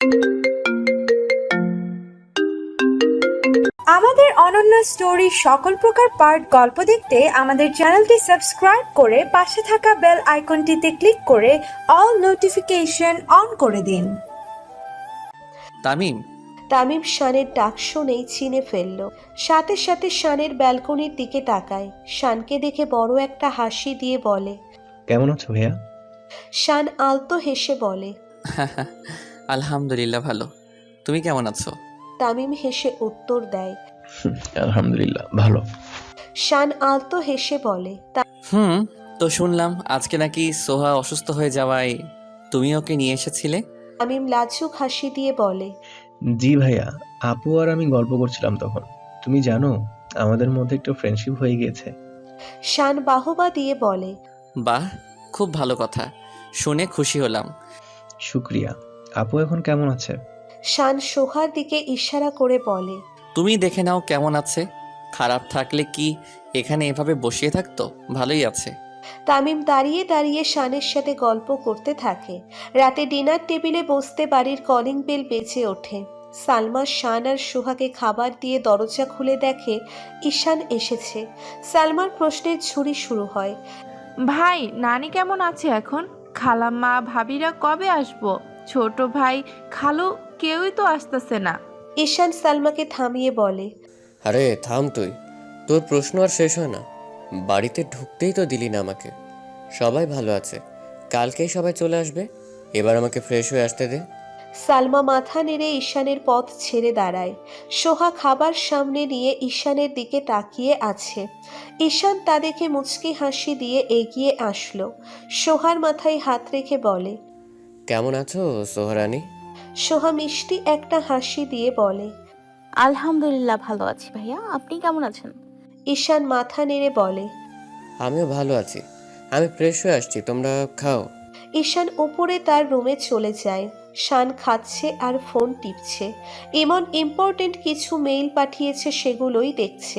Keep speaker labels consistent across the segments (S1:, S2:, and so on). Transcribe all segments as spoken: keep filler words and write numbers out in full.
S1: আমাদের অনন্য স্টোরি সকল প্রকার পার্ট গল্প দেখতে আমাদের চ্যানেলটি সাবস্ক্রাইব করে পাশে থাকা বেল আইকনটিতে ক্লিক করে অল নোটিফিকেশন অন করে দিন।
S2: তামিম।
S3: তামিম শানের ডাক শুনেই চিনে ফেলল। সাথে সাথে শানের ব্যালকনির দিকে তাকায়। শানকে দেখে বড় একটা হাসি দিয়ে বলে,
S4: কেমন আছো ভাইয়া?
S3: শান আলতো হেসে বলে,
S2: আলহামদুলিল্লাহ ভালো। তুমি কেমন আছো?
S3: তামিম হেসে উত্তর দেয়,
S4: আলহামদুলিল্লাহ ভালো।
S3: শান আলতো হেসে বলে,
S2: হুম, তো শুনলাম আজকে নাকি সোহা অসুস্থ হয়ে যাওয়ায় তুমি ওকে নিয়ে এসেছিলে।
S3: তামিম লাজুক হাসি দিয়ে বলে,
S4: জি ভাইয়া, আপু আর আমি গল্প করছিলাম তখন। তুমি জানো আমাদের মধ্যে একটু ফ্রেন্ডশিপ হয়ে গিয়েছে।
S3: শান বাহবা দিয়ে বলে,
S2: বাহ, খুব ভালো কথা, শুনে খুশি হলাম।
S4: শুক্রিয়া। আপু এখন কেমন আছে?
S3: শান সোহার দিকে ইশারা করে বলে,
S2: তুমি দেখে নাও কেমন আছে। খারাপ থাকলে কি এখানে এভাবে বসিয়ে থাকতো? ভালোই আছে।
S3: তামিম দাঁড়িয়ে দাঁড়িয়ে শানের সাথে গল্প করতে থাকে। রাতে ডিনার টেবিলে বসতে বাড়ির কলিং বেল বেজে ওঠে। সালমা শান আর সোহাকে খাবার দিয়ে দরজা খুলে দেখে ঈশান এসেছে। সালমার প্রশ্নের ঝুড়ি শুরু হয়,
S5: ভাই, নানি কেমন আছে এখন? খালাম্মা ভাবিরা কবে আসবো? ছোট ভাই খালু কেউই তো আসতেছে না।
S3: ঈশান সালমাকে থামিয়ে বলে,
S6: আরে থাম তুই, তোর প্রশ্ন আর শেষ হয় না। বাড়িতে ঢুকতেই তো দিলি না আমাকে। সবাই ভালো আছে, কালকেই সবাই চলে আসবে। এবার আমাকে ফ্রেশ হয়ে আসতে দে।
S3: সালমা মাথা নেড়ে ঈশানের পথ ছেড়ে দাঁড়ায়। সোহা খাবার সামনে নিয়ে ঈশানের দিকে তাকিয়ে আছে। ঈশান তা দেখে মুচকি হাসি দিয়ে এগিয়ে আসলো। সোহার মাথায় হাত রেখে বলে,
S6: কেমন আছো সোহরানি?
S3: সোহা মিষ্টি একটা হাসি দিয়ে বলে,
S7: আলহামদুলিল্লাহ ভালো আছি ভাইয়া, আপনি কেমন আছেন?
S3: ঈশান মাথা নেড়ে বলে,
S6: আমিও ভালো আছি। আমি ফ্রেশ হয়ে আসছি, তোমরা খাও।
S3: ঈশান উপরে তার রুমে চলে যায়। শান খাচ্ছে আর ফোন টিপছে। ইমন ইম্পর্টেন্ট কিছু মেইল পাঠিয়েছে, সেগুলোই দেখছে।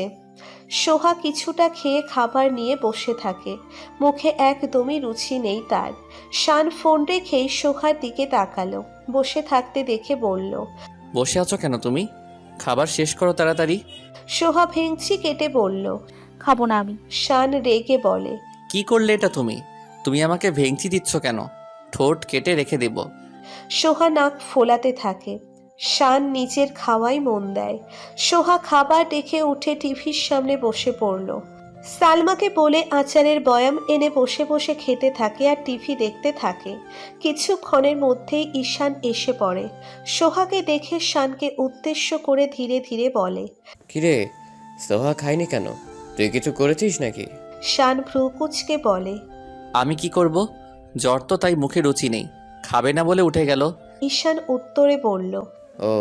S3: সোহা কিছুটা খেয়ে খাবার নিয়ে বসে থাকে। মুখে একদমই রুচি নেই তার। শান ফোন রেখেই সোহার দিকে তাকালো। বসে থাকতে দেখে বলল,
S2: বসে আছো কেন তুমি? খাবার শেষ করো তাড়াতাড়ি।
S3: সোহা ভেঙচি কেটে বলল।
S7: খাবো না আমি।
S3: শান রেগে বলে,
S2: কি করলে এটা তুমি? তুমি আমাকে ভেঙচি দিচ্ছ কেন? ঠোঁট কেটে রেখে দেব।
S3: সোহা নাক ফোলাতে থাকে। শান নিজের খাওয়াই মন দেয়। সোহা খাবার দেখে উঠে টিভির সামনে বসে পড়ল। সালমাকে বলে আচারের বয়াম এনে বসে বসে খেতে থাকে আর টিভি দেখতে থাকে। কিছুক্ষণের মধ্যেই ঈশান এসে পড়ে। সোহাকে দেখে শানকে উদ্দেশ্য করে ধীরে ধীরে বলে,
S6: কিরে, সোহা খায়নি কেন? তুই কিছু করেছিস নাকি?
S3: শান ভ্রু কুচকে বলে,
S2: আমি কি করব? জ্বর তো, তাই মুখে রুচি নেই। খাবে না বলে উঠে গেল।
S3: ঈশান উত্তরে বলল।
S6: ও।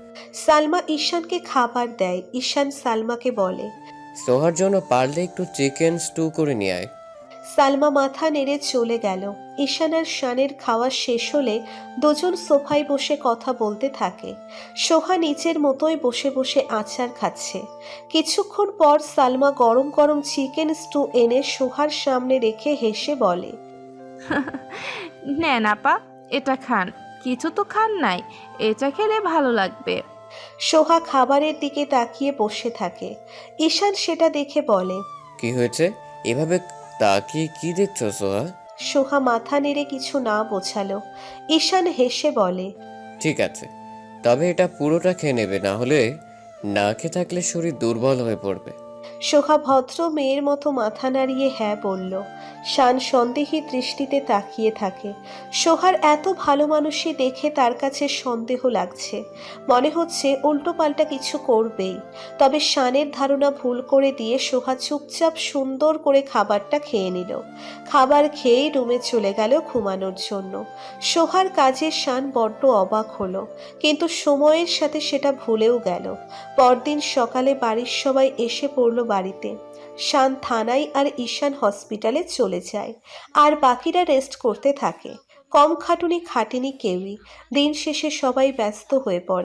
S3: সালমা ঈশানকে খাবার দেয়। ঈশান সালমাকে বলে,
S6: সোহার জন্য পারলে একটু চিকেন স্টু করে নিয়ে আয়।
S3: সালমা মাথা নেড়ে চলে গেল। ঈশান আর শানের খাওয়া শেষ হলে দুজন সোফায় বসে কথা বলতে থাকে। সোহা নিচের মতোই বসে বসে আচার খাচ্ছে। কিছুক্ষণ পর সালমা গরম গরম চিকেন স্টু এনে সোহার সামনে রেখে হেসে বলে,
S5: নেন আপা, এটা খান। কিছু তো খান নাই, এটা খেলে ভালো লাগবে।
S3: সোহা খাবারের দিকে তাকিয়ে বসে থাকে। ঈশান সেটা দেখে বলে,
S6: কি হয়েছে এভাবে তাকিয়ে কি দেখছো সোহা?
S3: সোহা মাথা নেড়ে কিছু না বোঝালো। ঈশান হেসে বলে,
S6: ঠিক আছে, তবে এটা পুরোটা খেয়ে নেবে, না হলে না খেয়ে থাকলে শরীর দুর্বল হয়ে পড়বে।
S3: সোহা ভদ্র মেয়ের মতো মাথা নাড়িয়ে হ্যাঁ বলল। শান সন্দেহী দৃষ্টিতে তাকিয়ে থাকে। সোহার এত ভালো মানুষই দেখে তার কাছে সন্দেহ লাগছে। মনে হচ্ছে উল্টোপাল্টা কিছু করবেই। তবে শানের ধারণা ভুল করে দিয়ে সোহা চুপচাপ সুন্দর করে খাবারটা খেয়ে নিল। খাবার খেয়েই রুমে চলে গেল ঘুমানোর জন্য। সোহার কাজে শান বড্ড অবাক হলো, কিন্তু সময়ের সাথে সেটা ভুলেও গেল। পরদিন সকালে বাড়ির সবাই এসে পড়ল বাড়িতে। শান থানায় আর ঈশান হসপিটালে চলে যায়, আর বাকিরা রেস্ট করতে থাকে। কম খাটুনি খাটেনি কেউই। দিন শেষে সবাই ব্যস্ত হয়ে পড়ে।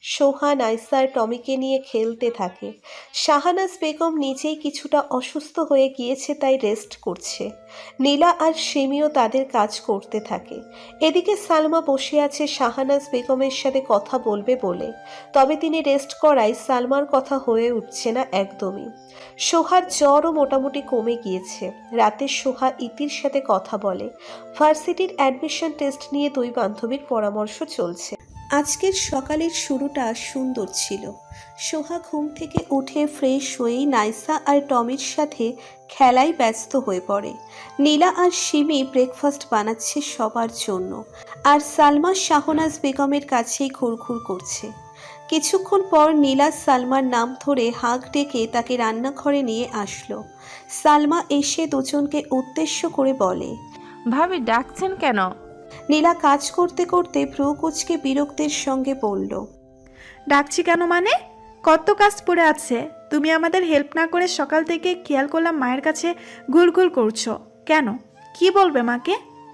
S3: সোহা, নাইসা আর টমিকে নিয়ে খেলতে থাকে। শাহানাজ বেগম নিজেই কিছুটা অসুস্থ হয়ে গিয়েছে, তাই রেস্ট করছে। নীলা আর সিমিও তাদের কাজ করতে থাকে। এদিকে সালমা বসে আছে শাহানাজ বেগমের সাথে কথা বলবে বলে, তবে তিনি রেস্ট করায় সালমার কথা হয়ে উঠছে না একদমই। সোহার জ্বরও মোটামুটি কমে গিয়েছে। রাতে সোহা ইতির সাথে কথা বলে। ভার্সিটির অ্যাডমিশন টেস্ট নিয়ে দুই বান্ধবীর পরামর্শ চলছে। আজকের সকালের শুরুটা সুন্দর ছিল। সোহা ঘুম থেকে উঠে ফ্রেশ হয়েই নাইসা আর টমির সাথে খেলায় ব্যস্ত হয়ে পড়ে। নীলা আর সিমি ব্রেকফাস্ট বানাচ্ছে সবার জন্য, আর সালমা শাহনাজ বেগমের কাছেই ঘুরঘুর করছে। কিছুক্ষণ পর নীলা সালমার নাম ধরে হাঁক ডেকে তাকে রান্নাঘরে নিয়ে আসলো। সালমা এসে দুজনকে উদ্দেশ্য করে বলে,
S5: ভাবি ডাকছেন কেন?
S3: নীলা কাজ করতে করতে ভ্রু কুঁচকে বিরক্তের সঙ্গে বলল,
S1: ডাকছি কেন মানে? কত কাজ পড়ে আছে, তুমি আমাদের হেল্প না করে সকাল থেকে খেয়াল করলাম মায়ের কাছে ঘুরঘুর করছো কেন? কি বলবে মাকে?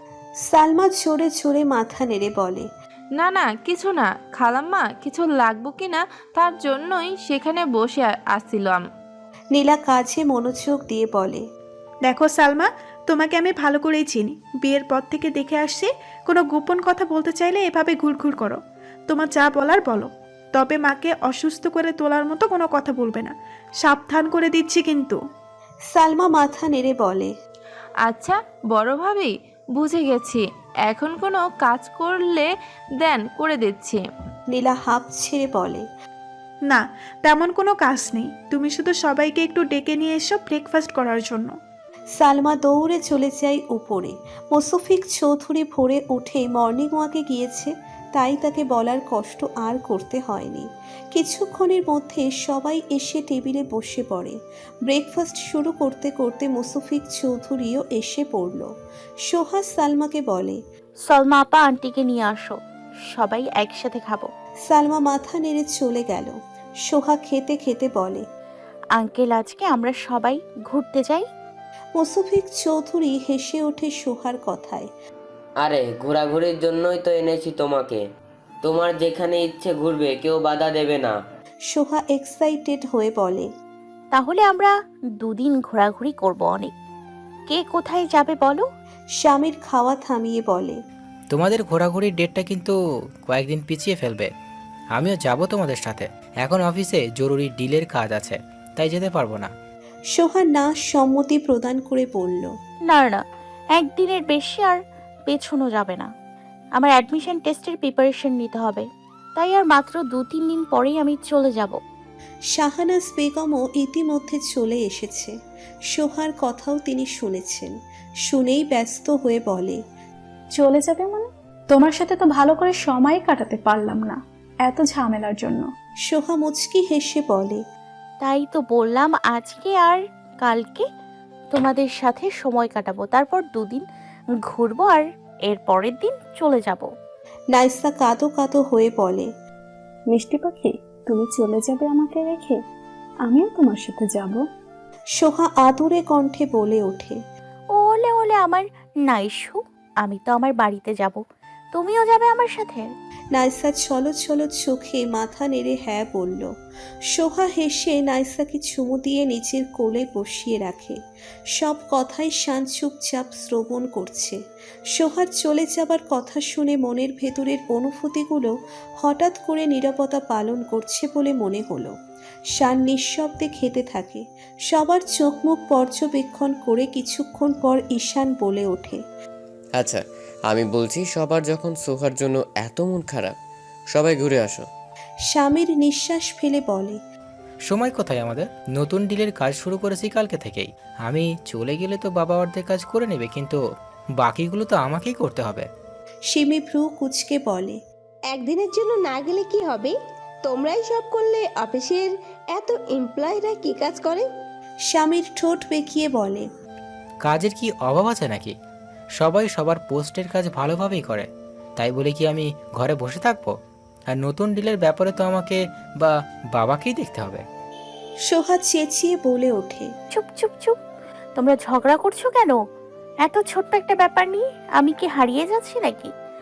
S3: সালমা জোরে জোরে মাথা নেড়ে বলে,
S5: না না কিছু না খালাম্মা, কিছু লাগবো কি না তার জন্যই সেখানে বসে আসছিলাম।
S3: নীলা কাজে মনোযোগ দিয়ে বলে,
S1: দেখো সালমা, তোমাকে আমি ভালো করেই চিনি। বিয়ের পর থেকে দেখে আসছি, কোনো গোপন কথা বলতে চাইলে এভাবে ঘুরঘুর করো। তোমার যা বলার বলো, তবে মাকে অসুস্থ করে তোলার মতো কোনো কথা বলবে না, সাবধান করে দিচ্ছি কিন্তু।
S3: সালমা মাথা নেড়ে বলে,
S5: আচ্ছা বড় ভাবি, বুঝে গেছি, এখন কোনো কাজ করলে দেন করে দিচ্ছি।
S3: নীলা হাঁপ ছেড়ে বলে,
S1: না, তেমন কোনো কাজ নেই, তুমি শুধু সবাইকে একটু ডেকে নিয়ে এসো ব্রেকফাস্ট করার জন্য।
S3: সালমা দৌড়ে চলে যায় উপরে। মোসফিক চৌধুরী ভোরে উঠে মর্নিং ওয়াকে গিয়েছে, তাই তাকে বলার কষ্ট আর করতে হয়নি। কিছুক্ষণের মধ্যে সবাই এসে টেবিলে বসে পড়ে। ব্রেকফাস্ট শুরু করতে করতে মোসফিক চৌধুরীও এসে পড়ল। সোহা সালমাকে বলে,
S7: সলমা আপা আন্টিকে নিয়ে আসো, সবাই একসাথে খাবো।
S3: সালমা মাথা নেড়ে চলে গেল। সোহা খেতে খেতে বলে,
S7: আঙ্কেল আজকে আমরা সবাই ঘুরতে যাই।
S3: মোসফিক চৌধুরী হেসে ওঠে সোহার কথায়।
S8: আরে ঘোরাঘুরির জন্যই তো এনেছি তোমাকে, তোমার যেখানে ইচ্ছে ঘুরবে, কেউ বাধা দেবে না।
S3: সোহা এক্সাইটেড হয়ে বলে,
S7: তাহলে আমরা দুদিন ঘোরাঘুরি করব অনেক। কে কোথায় যাবে বলো?
S3: স্বামীর খাওয়া থামিয়ে বলে,
S9: তোমাদের ঘোরাঘুরির ডেটটা কিন্তু কয়েকদিন পিছিয়ে ফেলবে। আমিও যাব তোমাদের সাথে, এখন অফিসে জরুরি ডিলের কাজ আছে, তাই যেতে পারবো না।
S3: সোহা না সম্মতি প্রদান করে বলল,
S7: না না, একদিনের বেশি আর পেছনো যাবে না। আমার অ্যাডমিশন টেস্টের প্রিপারেশন নিতে হবে, তাই আর মাত্র দু তিন দিন পরেই আমি চলে যাব।
S3: শাহানাজ বেগমও ইতিমধ্যে চলে এসেছে। সোহার কথাও তিনি শুনেছেন। শুনেই ব্যস্ত হয়ে বলে,
S10: চলে যাবে মানে? তোমার সাথে তো ভালো করে সময় কাটাতে পারলাম না এত ঝামেলার জন্য।
S3: সোহা মুচকি হেসে বলে,
S7: তাই তো বললাম আজকে আর কালকে তোমাদের সাথে সময় কাটাবো, তারপর দুদিন ঘুরবো আর এর পরের দিন চলে যাব।
S3: নাইসা কাঁদো কাঁদো হয়ে বলে,
S10: মিষ্টি পাখি, তুমি চলে যাবে আমাকে রেখে? আমিও তোমার সাথে যাব।
S3: সোহা আদুরে কণ্ঠে বলে ওঠে,
S7: ওলে ওলে আমার নাইশু, আমি তো আমার বাড়িতে যাব, তুমিও যাবে আমার সাথে?
S3: নাইসা ছলো ছলো চোখে মাথা নেড়ে হ্যাঁ বলল। সোহা হেসে নাইসাকে চুমু দিয়ে নিজের কোলে বসিয়ে রাখে। সব কথাই শান চুপচাপ শ্রবণ করছে। সোহার চলে যাবার কথা শুনে মনের ভেতরের অনুভূতিগুলো হঠাৎ করে নীরবতা পালন করছে বলে মনে হলো। শান নিঃশব্দে খেতে থাকে। সবার চোখ মুখ পর্যবেক্ষণ করে কিছুক্ষণ পর ঈশান বলে ওঠে,
S6: আচ্ছা আমি বলছি, সবার যখন সোহার জন্য এত মন খারাপ, সবাই ঘুরে আসো।
S3: স্বামীর নিঃশ্বাস ফেলে বলে,
S9: সময় কোথায় আমাদের? নতুন ডিলের কাজ শুরু করেছি কালকে থেকেই। আমি চলে গেলে তো বাবা অর্ধেক কাজ করে নেবে, কিন্তু বাকিগুলো তো আমাকেই করতে হবে।
S3: সিমি ভ্রু কুচকে বলে,
S11: একদিনের জন্য না গেলে কি হবে? তোমরাই সব করলে অফিসের এত এমপ্লয়িরা কি কাজ করে?
S3: স্বামীর ঠোঁট বেঁকিয়ে বলে,
S9: কাজের কি অভাব আছে নাকি? সবাই সবার পোস্টের কাজ ভালোভাবেই করে, তাই বলে কি আমি ঘরে বসে থাকবো? আর নতুন ডিলের ব্যাপারে তো আমাকে বা বাবাকেই দেখতে হবে।
S3: সোহা চেঁচিয়ে বলে ওঠে,
S7: চুপ চুপ চুপ, তোমরা ঝগড়া করছো কেন এত ছোট্ট একটা ব্যাপার নিয়ে? আমি কি হারিয়ে যাচ্ছি নাকি?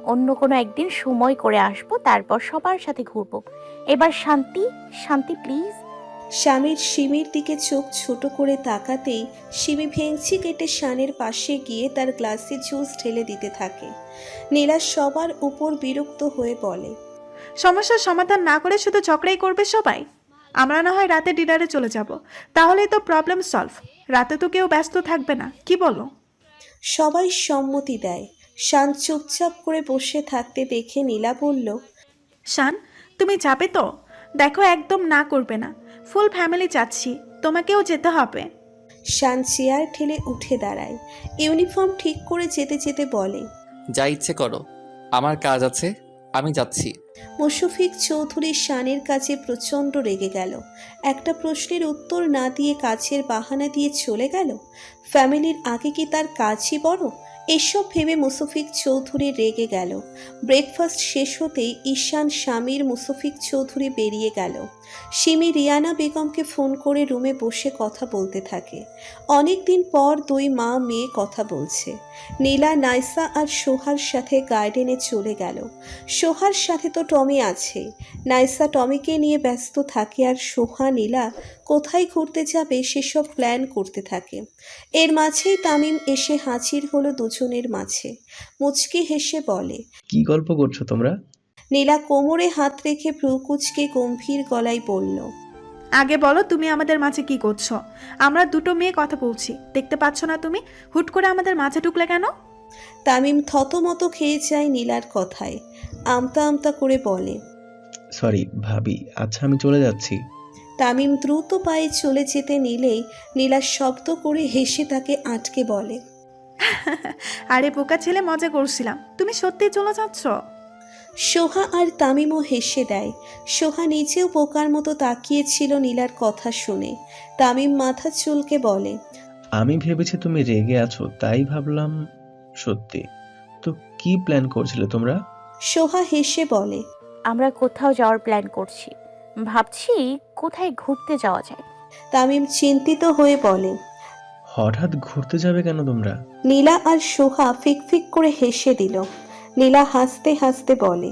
S7: অন্য কোনো একদিন সময় করে আসবো, তারপর সবার সাথে ঘুরবো। এবার শান্তি, শান্তি প্লিজ।
S3: স্বামীর সিমির দিকে চোখ ছোট করে তাকাতেই সিমি ভেঙচি কেটে শানের পাশে গিয়ে তার গ্লাসে জুস ঢেলে দিতে থাকে। নীলা সবার উপর বিরক্ত হয়ে বলে,
S1: সমস্যার সমাধান না করে শুধু ঝগড়াই করবে সবাই। আমরা না হয় রাতে ডিনারে চলে যাব, তাহলেই তো প্রবলেম সলভ। রাতে তো কেউ ব্যস্ত থাকবে না, কি বলো?
S3: সবাই সম্মতি দেয়। শান চুপচাপ করে বসে থাকতে দেখে নীলা বলল,
S1: শান, তুমি যাবে তো? দেখো, একদম না করবে না। ফুল ফ্যামিলি যাচ্ছি, তোমাকেও যেতে হবে।
S3: শান চেয়ার ঠেলে উঠে দাঁড়ায়। ইউনিফর্ম ঠিক করে যেতে যেতে বলে,
S2: যা ইচ্ছে করো, আমার কাজ আছে, আমি যাচ্ছি।
S3: মুশফিক চৌধুরী শানের কাছে প্রচণ্ড রেগে গেল। একটা প্রশ্নের উত্তর না দিয়ে কাজের বাহানা দিয়ে চলে গেল। ফ্যামিলির আগে কি তার কাজই বড়? এসব ভেবে মুশফিক চৌধুরী রেগে গেল। ব্রেকফাস্ট শেষ হতেই ঈশান, স্বামীর মুশফিক চৌধুরী বেরিয়ে গেল। সিমি রিয়ানা বেগমকে ফোন করে রুমে বসে কথা বলতে থাকে। অনেক দিন পর দুই মা মেয়ে কথা বলছে। নীলা, নাইসা আর সোহার সাথে গার্ডেনে চলে গেল। সোহার সাথে তো টমি আছে। নাইসা টমিকে নিয়ে ব্যস্ত থাকে আর সোহা নীলা কোথায় ঘুরতে যাবে সেসব প্ল্যান করতে থাকে। এর মাঝেই তামিম এসে হাজির হলো দুজনের মাঝে। মুচকি হেসে বলে,
S4: কি গল্প করছো তোমরা?
S3: নীলা কোমরে হাত রেখে ভ্রুকুচকে গম্ভীর গলায় বলল,
S1: আগে বলো, তুমি আমাদের মাঝে কি করছো? আমরা দুটো মেয়ে কথা বলছি, দেখতে পাচ্ছ না তুমি? হুট করে আমাদের মাঝে ঢুকলে কেন?
S3: তামিম থতমত খেয়ে যায় নীলার কথায়। আমতা আমতা করে বলে,
S4: সরি ভাবি, আচ্ছা আমি চলে যাচ্ছি।
S3: তামিম দ্রুত পায়ে চলে যেতে নিলেই নীলা শব্দ করে হেসে তাকে আটকে বলে,
S1: আরে বোকা ছেলে, মজা করছিলাম। তুমি সত্যি চলে যাচ্ছ?
S3: সোহা আর তামিমও হেসে দেয়। সোহা নিজেও বোকার মতো তাকিয়েছিল নীলার কথা শুনে। তামিম মাথা চুলকে বলে,
S4: আমি ভেবেছি তুমি রেগে আছো, তাই ভাবলাম সত্যি। তো কি প্ল্যান করছিলে তোমরা?
S3: সোহা হেসে বলে,
S7: আমরা কোথাও যাওয়ার প্ল্যান করছি, ভাবছি কোথায় ঘুরতে যাওয়া যায়।
S3: তামিম চিন্তিত হয়ে বলে,
S4: হঠাৎ ঘুরতে যাবে কেন তোমরা?
S3: নীলা আর সোহা ফিকফিক করে হেসে দিল। নীলা হাসতে হাসতে বলে,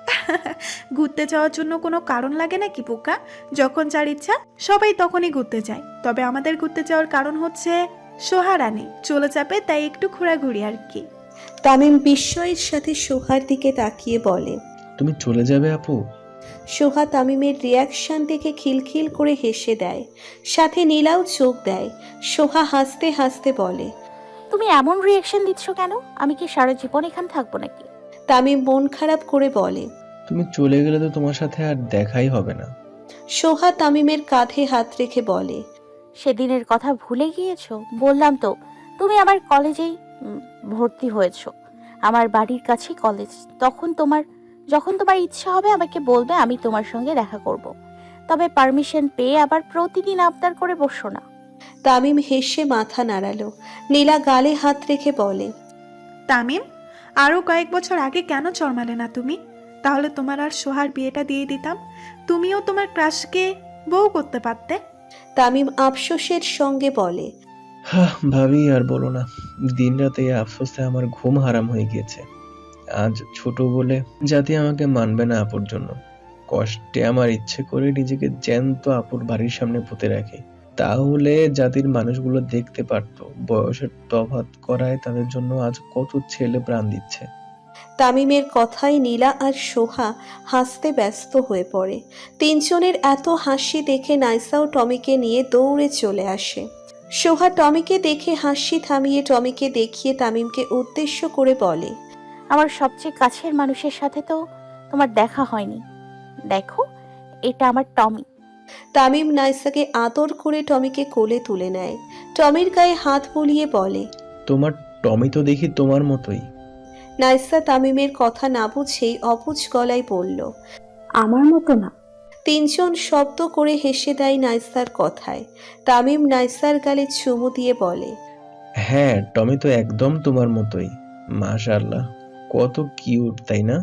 S1: ঘুরতে যাওয়ার জন্য কোনো কারণ লাগে নাকি বোকা? যখন যার ইচ্ছা সবাই তখনই ঘুরতে যায়। তবে আমাদের ঘুরতে যাওয়ার কারণ হচ্ছে সোহারানি চলে যাবে, তাই একটু ঘোরাঘুরি আর কি।
S3: তামিম বিস্ময়ের সাথে সোহার দিকে তাকিয়ে বলে,
S4: তুমি চলে যাবে আপু?
S3: সোহা তামিমের রিয়াকশন দেখে খিলখিল করে হেসে দেয়। সাথে নীলাও চোখ দেয়। সোহা হাসতে হাসতে বলে,
S7: তুমি এমন রিয়াকশন দিচ্ছ কেন? আমি কি সারা জীবন এখানে থাকবো নাকি?
S3: তামিম মন খারাপ করে বলে,
S4: তুমি চলে গেলে তো তোমার সাথে আর দেখাই হবে না।
S3: সোহা তামিমের কাঁধে হাত রেখে বলে,
S7: সেদিনের কথা ভুলে গিয়েছো? বললাম তো, তুমি আমার কলেজেই উম, ভর্তি হয়েছো। আমার বাড়ির কাছেই কলেজ। তখন তোমার যখন তোমার ইচ্ছা হবে আমাকে বলবে, আমি তোমার সঙ্গে দেখা করব। তবে পারমিশন পেয়ে আবার প্রতিদিন আবদার করে বসো না।
S3: তামিম হেসে মাথা নাড়ালো। নীলা গালে হাত রেখে বলে,
S1: তামিম, আরও কয়েক বছর আগে কেন চরমালে না তুমি? তাহলে তোমার আর সোহার বিয়েটা দিয়ে দিতাম, তুমিও তোমার ক্রাশকে বউ করতে পারতে।
S3: তামিম আফসোসের সঙ্গে বলে,
S4: হ্যাঁ ভাবি, আর বলো না, দিন রাতে এই আফসোসে আমার ঘুম হারাম হয়ে গিয়েছে। আজ ছোট বলে জাতি আমাকে মানবে না আপুর জন্য। কষ্টে আমার ইচ্ছে করে নিজেকে জ্যান্ত আপুর বাড়ির সামনে পুঁতে রাখি। তাহলে জাতির মানুষগুলো দেখতে পারতো বয়সের তফাৎ করায় তাদের জন্য আজ কত ছেলে প্রাণ দিচ্ছে।
S3: তামিমের কথায় নীলা আর সোহা হাসতে ব্যস্ত হয়ে পড়ে। তিনজনের এত হাসি দেখে নাইসাও টমিকে নিয়ে দৌড়ে চলে আসে। সোহা টমিকে দেখে হাসি থামিয়ে টমিকে দেখিয়ে তামিমকে উদ্দেশ্য করে বলে,
S7: আমার সবচেয়ে কাছের মানুষের সাথে তো তোমার দেখা হয়নি। দেখো, এটা আমার টমি।
S3: তামিম নাইসাকে আদর করে টমিকে কোলে তুলে নেয়। টমির গায়ে হাত বুলিয়ে বলে,
S4: তোমার টমি তো দেখি তোমার মতোই।
S3: নাইসা তামিমের কথা না বুঝেই অবুঝ গলায় বলল,
S10: আমার মতো না।
S3: তিনজন শব্দ করে হেসে দেয় নাইসার কথায়। তামিম নাইসার গালে চুমু দিয়ে বলে,
S4: হ্যাঁ, টমি তো একদম তোমার মতোই। মাশাআল্লাহ, কত কিউট, তাই না?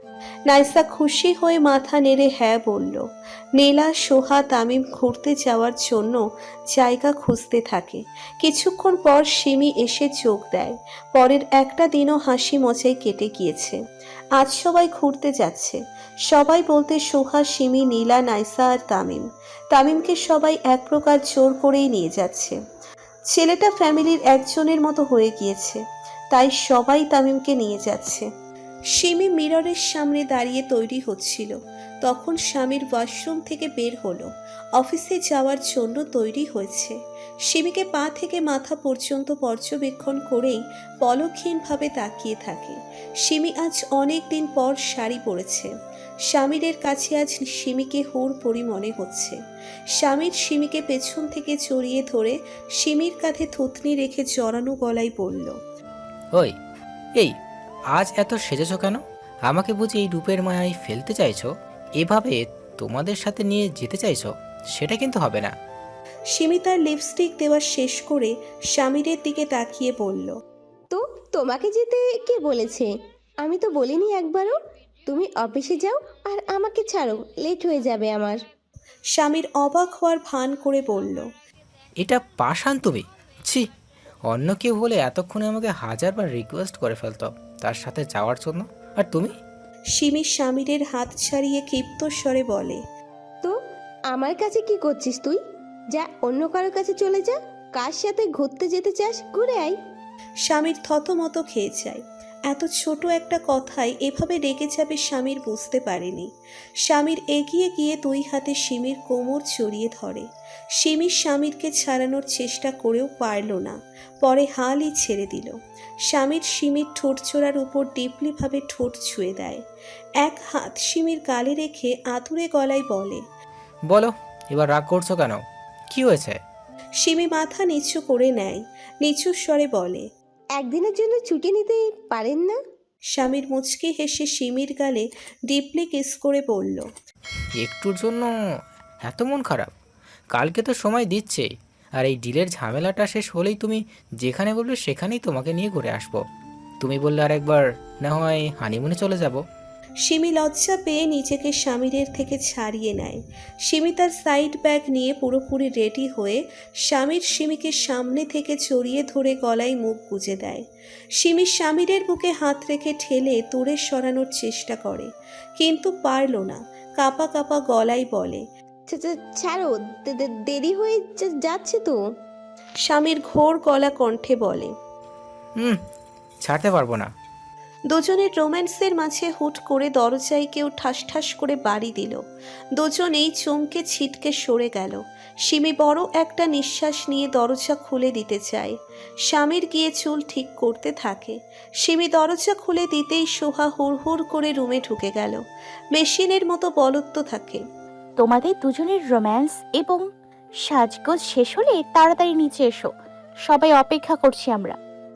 S3: নাইসা খুশি হয়ে মাথা নেড়ে হ্যাঁ বলল। নীলা, সোহা, তামিম ঘুরতে যাওয়ার জন্য জায়গা খুঁজতে থাকে। কিছুক্ষণ পর সিমি এসে চোখ দেয়। পরের একটা দিনও হাসি মজায় কেটে গিয়েছে। আজ সবাই ঘুরতে যাচ্ছে। সবাই বলতে সোহা, সিমি, নীলা, নাইসা আর তামিম। তামিমকে সবাই এক প্রকার জোর করেই নিয়ে যাচ্ছে। ছেলেটা ফ্যামিলির একজনের মতো হয়ে গিয়েছে, তাই সবাই তামিমকে নিয়ে যাচ্ছে। সিমি মিররের সামনে দাঁড়িয়ে তৈরি হচ্ছিল, তখন স্বামীর ওয়াশরুম থেকে বের হলো। অফিসে যাওয়ার জন্য তৈরি হয়েছে। সিমিকে পা থেকে মাথা পর্যন্ত পর্যবেক্ষণ করেই পলকহীনভাবে তাকিয়ে থাকে। সিমি আজ অনেক দিন পর শাড়ি পরেছে। স্বামীরের কাছে আজ সিমিকে হুর পরি মনে হচ্ছে। স্বামীর সিমিকে পেছন থেকে জড়িয়ে ধরে সিমির কাঁধে থুতনি রেখে জড়ানো গলায় বলল,
S9: ওই এই আজ এত সেজেছ কেন? আমাকে বুঝি এই রূপের মায়ায় ফেলতে চাইছো? এভাবে তোমাদের সাথে নিয়ে যেতে চাইছো? সেটা কিন্তু হবে না।
S3: সিমি তার লিপস্টিক দেওয়া শেষ করে স্বামীরের দিকে তাকিয়ে বলল,
S11: তো তোমাকে যেতে কে বলেছে? আমি তো বলিনি একবারও। তুমি অফিসে যাও আর আমাকে ছাড়ো, লেট হয়ে যাবে আমার।
S3: স্বামীর অবাক হওয়ার ভান করে বলল,
S9: এটা পাষাণ তুমি! ছি, অন্য কেউ হলে এতক্ষণে আমাকে হাজারবার রিকোয়েস্ট করে ফেলতো তার সাথে যাওয়ার জন্য, আর তুমি?
S3: সিমি স্বামীরের হাত ছাড়িয়ে ক্ষিপ্ত স্বরে বলে,
S11: তো আমার কাছে কি করছিস তুই? যা অন্য কারোর কাছে চলে যা। কার সাথে ঘুরতে যেতে চাস ঘুরে আয়।
S3: স্বামীর থতমত খেয়ে যায়। এত ছোট একটা কথায় এভাবে রেগে যাবে স্বামীর বুঝতে পারেনি। স্বামীর এগিয়ে গিয়ে দুই হাতে সিমির কোমর জড়িয়ে ধরে। সিমির স্বামীরকে ছাড়ানোর চেষ্টা করেও পারল না, পরে হালই ছেড়ে দিল। স্বামীর সিমির ঠোঁট চোরার উপর ডিপলিভাবে ঠোঁট ছুঁয়ে দেয়। এক হাত সিমির গালে রেখে আতুরে গলায় বলে,
S9: বলো, এবার রাগ করছো কেন? কি হয়েছে?
S3: সিমি মাথা নিচু করে নেয়, নিচু স্বরে বলে,
S11: একদিনের জন্য ছুটি নিতে পারেন না?
S3: স্বামীর মুচকি হেসে সিমির গালে ডিপলি কিস করে বলল,
S9: একটুর জন্য এত মন খারাপ? কালকে তো সময় দিচ্ছে, আর এই ডিলের ঝামেলাটা শেষ হলেই তুমি যেখানে বলবে সেখানেই তোমাকে নিয়ে ঘুরে আসবো। তুমি বললে আর একবার না হয় হানিমুনে চলে যাব।
S3: সিমি লজ্জা পেয়ে নিজেকে স্বামীরের থেকে ছাড়িয়ে নেয়। সিমি তার সাইড ব্যাগ নিয়ে পুরোপুরি রেডি হয়ে স্বামীর সিমিকে সামনে থেকে জড়িয়ে ধরে গলায় মুখ গুজে দেয়। সিমি স্বামীরের বুকে হাত রেখে ঠেলে দূরে সরানোর চেষ্টা করে, কিন্তু পারল না। কাঁপা কাঁপা গলায় বলে,
S11: ছা- ছা- ছাড়ো, দে- দে- দেরি হয়ে যা- যাচ্ছে তো।
S3: স্বামীর ঘোর গলা কণ্ঠে বলে,
S9: হুম, ছাড়তে পারবো না।
S3: দুজনের রোম্যান্সের মাঝে হুট করে দরজায় কেউ ঠাস ঠাস করে বাড়ি দিল। দুজনেই চমকে ছিটকে সরে গেল। সিমি বড় একটা নিঃশ্বাস নিয়ে দরজা খুলে দিতে চায়। স্বামীর গিয়ে চুল ঠিক করতে থাকে। সিমি দরজা খুলে দিতেই সোহা হুড় হুড় করে রুমে ঢুকে গেল। মেশিনের মতো বলত্ব থাকে,
S7: তোমাদের দুজনের রোম্যান্স এবং সাজগোজ শেষ হলে তাড়াতাড়ি নিচে এসো, সবাই অপেক্ষা করছি আমরা।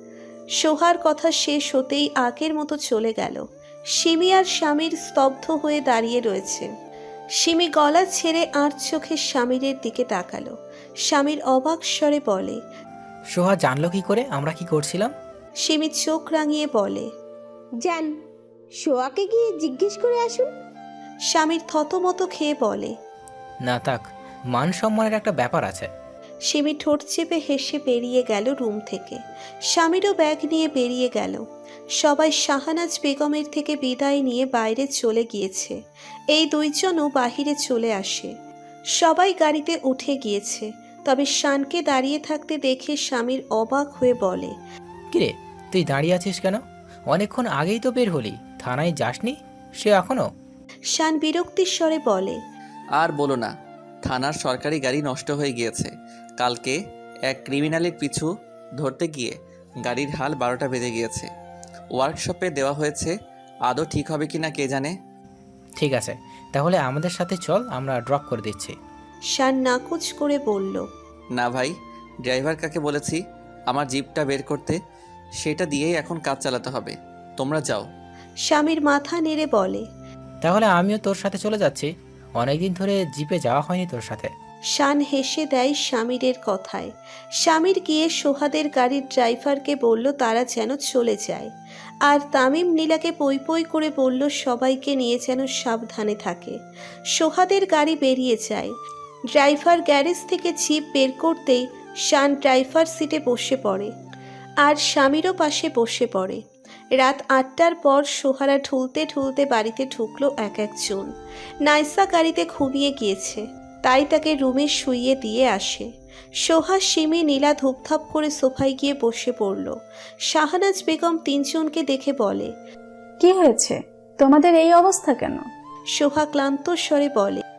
S3: সোহার কথা শেষ হতেই আগের মতো চলে গেল। সিমি আর স্বামীর স্তব্ধ হয়ে দাঁড়িয়ে রয়েছে। সিমি গলা ছেড়ে আর চোখে স্বামীরের দিকে তাকালো। স্বামীর অবাক স্বরে বলে,
S9: সোহা জানলো কি করে আমরা কি করছিলাম?
S3: সিমি চোখ রাঙিয়ে বলে,
S11: যান, সোয়াকে গিয়ে জিজ্ঞেস করে আসুন।
S3: স্বামীর থতমত খেয়ে বলে,
S9: না থাক, মান সম্মানের একটা ব্যাপার আছে।
S3: সিমি ঠোঁট চেপে হেসে বেরিয়ে গেল রুম থেকে। স্বামীরও ব্যাগ নিয়ে বেরিয়ে গেল। সবাই শাহানাজ বেগমের থেকে বিদায় নিয়ে বাইরে চলে গিয়েছে। এই দুইজনও বাহিরে চলে আসে। সবাই গাড়িতে উঠে গিয়েছে, তবে শানকে দাঁড়িয়ে থাকতে দেখে স্বামীর অবাক হয়ে বলে,
S9: কিরে, তুই দাঁড়িয়ে আছিস কেন? অনেকক্ষণ আগেই তো বের হলি, থানায় যাসনি সে এখনো?
S3: শান বিরক্তির স্বরে বলে,
S2: আর বলো না, থানার সরকারি গাড়ি নষ্ট হয়ে গিয়েছে। কালকে এক ক্রিমিনালের পিছু ধরতে গিয়ে গাড়ির হাল বারোটা বেজে গিয়েছে। ওয়ার্কশপে দেওয়া হয়েছে, আদৌ ঠিক হবে কি না কে জানে।
S9: ঠিক আছে, তাহলে আমাদের সাথে চল, আমরা ড্রপ করে দিচ্ছি।
S3: শান নাকুচ করে বলল,
S2: না ভাই, ড্রাইভার কাকে বলেছি আমার জিপটা বের করতে, সেটা দিয়েই এখন কাজ চালাতে হবে। তোমরা যাও।
S3: স্বামীর মাথা নেড়ে বলে,
S9: তাহলে আমিও তোর সাথে চলে যাচ্ছি, অনেকদিন ধরে জিপে যাওয়া হয়নি তোর সাথে।
S3: শান হেসে দেয় স্বামীরের কথায়। স্বামীর গিয়ে সোহাদের গাড়ির ড্রাইভারকে বলল তারা যেন চলে যায়, আর তামিম নীলাকে পই পই করে বলল সবাইকে নিয়ে যেন সাবধানে থাকে। সোহাদের গাড়ি বেরিয়ে যায়। ড্রাইভার গ্যারেজ থেকে জিপ বের করতেই শান ড্রাইভার সিটে বসে পড়ে, আর স্বামীরও পাশে বসে পড়ে। রাত আটটার পর সোহারা ঠুলতে ঠুলতে বাড়িতে ঢুকলো এক একজন। নাইসা গাড়িতে ঘুমিয়ে গিয়েছে, তাই তাকে রুমে শুইয়ে দিয়ে আসে। সোহা, সিমি, নীলা ধূপধাপ করে সোফায় গিয়ে বসে পড়ল। শাহনাজ বেগম তিনজনকে দেখে বলে,
S10: কি হয়েছে তোমাদের এই অবস্থা কেন?
S3: সোহা ক্লান্ত স্বরে বলে,